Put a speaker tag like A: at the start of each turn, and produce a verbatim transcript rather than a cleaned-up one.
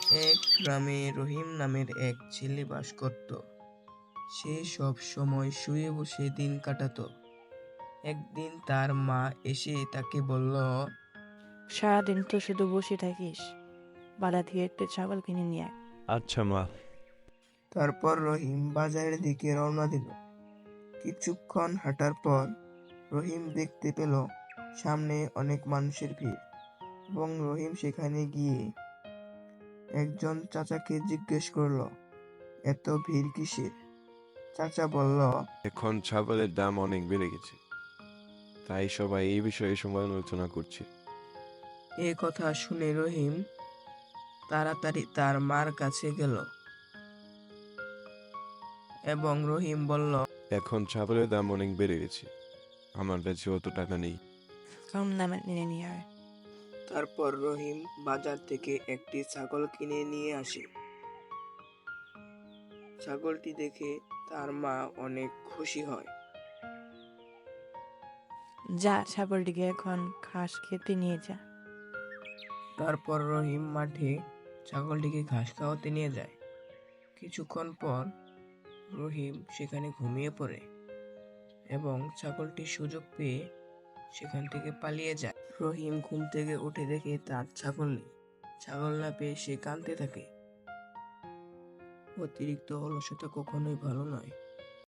A: এক গ্রামে রহিম নামের এক ছেলে বাস করত। সে সব সময় শুয়ে বসে দিন কাটাতো। একদিন তার মা এসে তাকে বলল,
B: সারাদিন তো শুধু বসে থাকিস, বালা থেকে একটা ছাগল কিনে নিয়ে আয়।
C: আচ্ছা মা।
A: তারপর রহিম বাজারের দিকে রওনা দিল। কিছুক্ষণ হাঁটার পর রহিম দেখতে পেল সামনে অনেক মানুষের ভিড়, এবং রহিম সেখানে গিয়ে একজন চাচাকে জিজ্ঞেস করলো, এত ভিড় কিসের? চাচা বলল,
C: এখন ছাগলের দাম অনেক বেড়ে গেছে, তাই সবাই এই বিষয়ে সমালোচনা করছে।
A: এ কথা শুনে রহিম তাড়াতাড়ি তার মার কাছে গেল এবং রহিম বলল,
C: এখন ছাগলের দাম অনেক বেড়ে গেছে, আমার কাছে অত টাকা নেই।
B: কম দামে কিনে নিয়ে আয়।
A: তারপর রহিম বাজার থেকে একটি ছাগল কিনে নিয়ে আসে। ছাগলটি দেখে তার মা অনেক খুশি হয়।
B: যা, ছাগলটিকে এখন ঘাস খেতে নিয়ে যা।
A: তারপর রহিম মাঠে ছাগলটিকে ঘাস খাওয়াতে নিয়ে যায়। কিছুক্ষণ পর রহিম সেখানে ঘুমিয়ে পড়ে এবং ছাগলটি সুযোগ পেয়ে সেখান থেকে পালিয়ে যায়। রহিম ঘুম থেকে উঠে দেখে তার ছাগল নেই। ছাগল না পেয়ে সে কাঁদতে থাকে। অতিরিক্ত অলসতা কখনোই ভালো নয়।